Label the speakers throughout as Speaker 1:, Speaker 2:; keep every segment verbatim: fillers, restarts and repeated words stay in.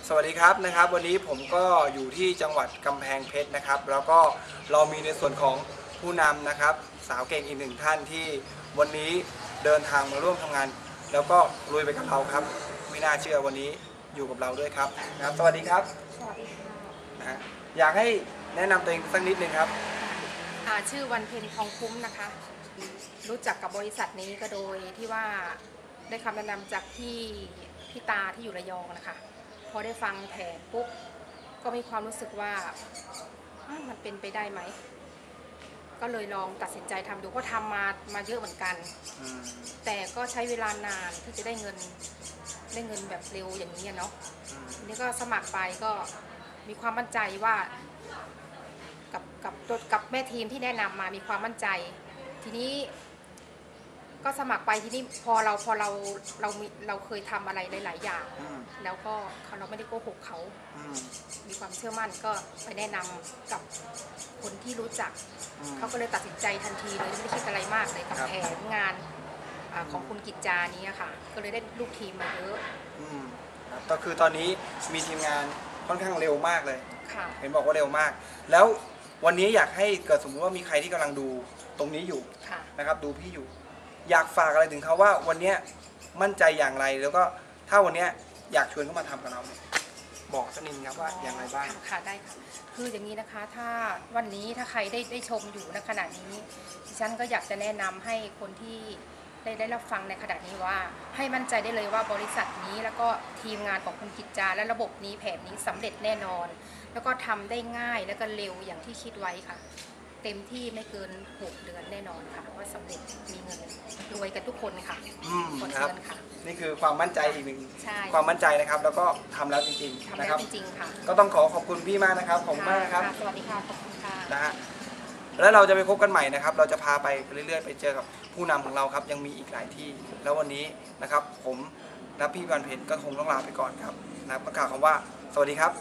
Speaker 1: สวัสดีครับนะครับวันนี้ผมก็อยู่ที่จังหวัดกำแพงเพชรนะครับแล้วก็เรามีในส่วนของผู้นำนะครับสาวเก่งอีกหนึ่งท่านที่วันนี้เดินทางมาร่วมทำงานแล้วก็ลุยไปกับเราครับไม่น่าเชื่อวันนี้อยู่กับเราด้วยครับนะครับสวัสดีครับ
Speaker 2: สวัสดีค่ะ
Speaker 1: นะฮะอยากให้แนะนำตัวเองสักนิดนึงครับ
Speaker 2: ชื่อวันเพ็ญทองคุ้มนะคะรู้จักกับบริษัทนี้ก็โดยที่ว่าได้คำแนะนำจากพี่พี่ตาที่อยู่ระยองนะคะพอได้ฟังแผนปุ๊บก็มีความรู้สึกว่ามันเป็นไปได้ไหมก็เลยลองตัดสินใจทำดูก็ทำมามาเยอะเหมือนกันแต่ก็ใช้เวลานานที่จะได้เงินได้เงินแบบเร็วอย่างนี้เนาะทีนี้ก็สมัครไปก็มีความมั่นใจว่ากับกับตัวกับแม่ทีมที่แนะนำมามีความมั่นใจทีนี้ก็สมัครไปทีนี้พอเราพอเราเรามีเราเคยทำอะไรหลายๆอย่างแล้วก็เราไม่ได้โกหกเขามีความเชื่อมั่นก็ไปแนะนำกับคนที่รู้จักเขาก็เลยตัดสินใจทันทีเลยไม่ได้คิดอะไรมากเลยกับแผนงานของคุณกิจจานี้ค่ะก็เลยได้ลูกทีมมาเยอะ
Speaker 1: ก็คือตอนนี้มีทีมงานค่อนข้างเร็วมากเลยเห็นบอกว่าเร็วมากแล้ววันนี้อยากให้เกิดสมมติว่ามีใครที่กำลังดูตรงนี้อยู่นะครับดูพี่อยู่อยากฝากอะไรถึงเขาว่าวันนี้มั่นใจอย่างไรแล้วก็ถ้าวันนี้อยากชวนเขามาทำกับเราบอกสักนิดครับว่าอย่างไรบ้าง
Speaker 2: ค่ะได้ค่ะคืออย่างนี้นะคะถ้าวันนี้ถ้าใครได้ได้ชมอยู่ในขณะนี้ดิฉันก็อยากจะแนะนำให้คนที่ได้ได้รับฟังในขณะนี้ว่าให้มั่นใจได้เลยว่าบริษัทนี้แล้วก็ทีมงานของคุณกิจจาและระบบนี้แผนนี้สำเร็จแน่นอนแล้วก็ทำได้ง่ายแล้วก็เร็วอย่างที่คิดไว้ค่ะเต็มที่ไม่เกินหกเดือนแน่นอนค่ะว่าสำเร็จมีเงินรวยกันทุกคนค่ะ
Speaker 1: อืมครับนี่คือความมั่นใจอีกหนึ่งความมั่นใจนะครับแล้วก็ทำแล้วจริงๆนะครับ
Speaker 2: จริงๆค่ะ
Speaker 1: ก็ต้องขอขอบคุณพี่มากนะครับขอบคุณมากนะครับ
Speaker 2: สวัสดีค่ะขอบคุณค่ะ
Speaker 1: นะฮะแล้วเราจะไปพบกันใหม่นะครับเราจะพาไปเรื่อยๆไปเจอกับผู้นำของเราครับยังมีอีกหลายที่แล้ววันนี้นะครับผมและพี่วันเพ็ญก็คงต้องลาไปก่อนครับนะประกาศคำว่าสวัสดีครับ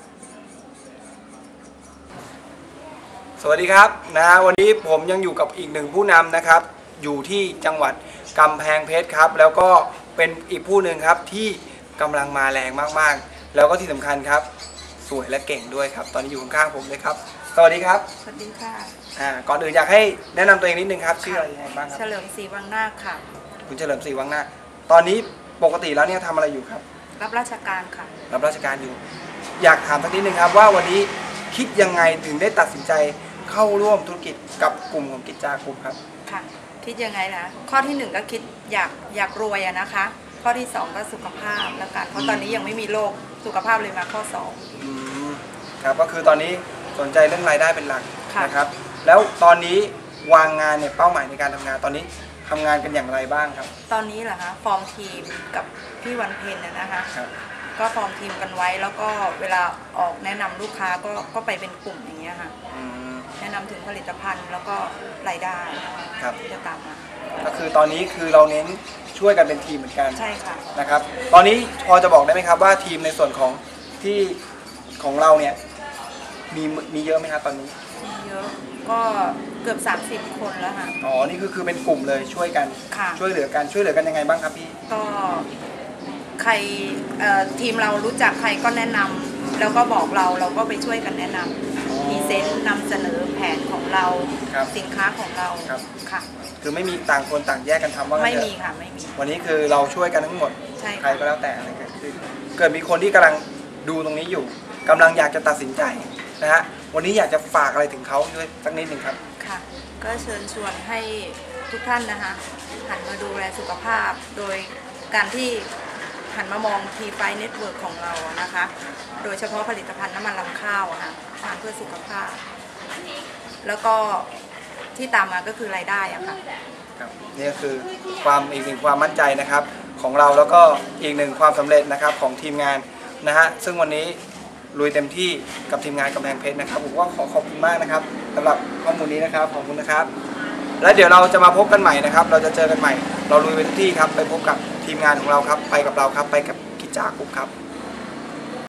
Speaker 1: สวัสดีครับนะวันนี้ผมยังอยู่กับอีกหนึ่งผู้นำนะครับอยู่ที่จังหวัดกำแพงเพชรครับแล้วก็เป็นอีกผู้หนึ่งครับที่กำลังมาแรงมากๆแล้วก็ที่สำคัญครับสวยและเก่งด้วยครับตอนนี้อยู่ข้างๆผมเลยครับสวัสดีครับ
Speaker 2: สวัสดีค่ะ
Speaker 1: อ่าก่อนอื่นอยากให้แนะนำตัวเองนิดนึงครับชื่ออะไรยังไงบ้างครับ
Speaker 2: เฉลิมศรีวังนาคค่ะ
Speaker 1: คุณเฉลิมศรีวังนาคตอนนี้ปกติแล้วเนี่ยทำอะไรอยู่ครับ
Speaker 2: รับราชการค่ะ
Speaker 1: รับราชการอยู่อยากถามสักนิดนึงครับว่าวันนี้คิดยังไงถึงได้ตัดสินใจเข้าร่วมธุรกิจกับกลุ่มของกิจจากลุ่มครับ
Speaker 2: ค่ะคิดยังไงนะข้อที่หนึ่งก็คิดอยากอยากรวยอะนะคะข้อที่สองก็สุขภาพแล้วกันเพราะตอนนี้ยังไม่มีโรคสุขภาพเลยมาข้อสอง
Speaker 1: ครับก็คือตอนนี้สนใจเรื่องรายได้เป็นหลักนะครับแล้วตอนนี้วางงานเนี่ยเป้าหมายในการทำงานตอนนี้ทำงานกันอย่างไรบ้างครับ
Speaker 2: ตอนนี้เหรอคะฟอร์มทีมกับพี่วันเพ็ญนะคะก็ฟอร์มทีมกันไว้แล้วก็เวลาออกแนะนำลูกค้าก็ก็ไปเป็นกลุ่มอย่างเงี้ยค่ะแนะนำถึงผลิตภัณฑ์แล้วก็รายได้ที่จะตามมา
Speaker 1: ก็คือตอนนี้คือเราเน้นช่วยกันเป็นทีมเหมือนกัน
Speaker 2: ใช่ค่ะ
Speaker 1: นะครับตอนนี้พอจะบอกได้ไหมครับว่าทีมในส่วนของที่ของเราเนี่ยมีมีเยอะไหมครับตอนนี้
Speaker 2: มีเยอะก็เกือบสามสิบคนแล้วค่ะ
Speaker 1: อ๋อนี่คือคือเป็นกลุ่มเลยช่วยกันช่วยเหลือกันช่วยเหลือกันยังไงบ้างครับพี่
Speaker 2: ก็ใครทีมเรารู้จักใครก็แนะนำแล้วก็บอกเราเราก็ไปช่วยกันแนะนำพรีเซนต์นำเสนอแผนของเราสินค้าของเราค่ะ
Speaker 1: คือไม่มีต่างคนต่างแยกกันทำว่า
Speaker 2: ไม่มีค่ะไม่มี
Speaker 1: วันนี้คือเราช่วยกันทั้งหมดใครก็แล้วแต่อะไรเกิดขึ้นเกิดมีคนที่กำลังดูตรงนี้อยู่กำลังอยากจะตัดสินใจนะฮะวันนี้อยากจะฝากอะไรถึงเขาด้วยสักนิดหนึ่งครับ
Speaker 2: ค่ะก็เชิญชวนให้ทุกท่านนะคะหันมาดูแลสุขภาพโดยการที่หันมามองทีไฟเน็ตเวิร์กของเรานะคะโดยเฉพาะผลิตภัณฑ์น้ำมันรำข้าวค่ะทานเพื่อสุขภาพแล้วก็ที่ตามมาก็คือรายได้อะค่ะ
Speaker 1: ครับนี่ก็คือความอีกหนึ่งความมั่นใจนะครับของเราแล้วก็อีกหนึ่งความสำเร็จนะครับของทีมงานนะฮะซึ่งวันนี้ลุยเต็มที่กับทีมงานกำแพงเพชรนะครับผมก็ขอขอบคุณมากนะครับสำหรับข้อมูลนี้นะครับขอบคุณนะครับและเดี๋ยวเราจะมาพบกันใหม่นะครับเราจะเจอกันใหม่เราลุยไปทุกที่ครับไปพบกับทีมงานของเราครับไปกับเราครับไปกับกิจจากลุ่มครับ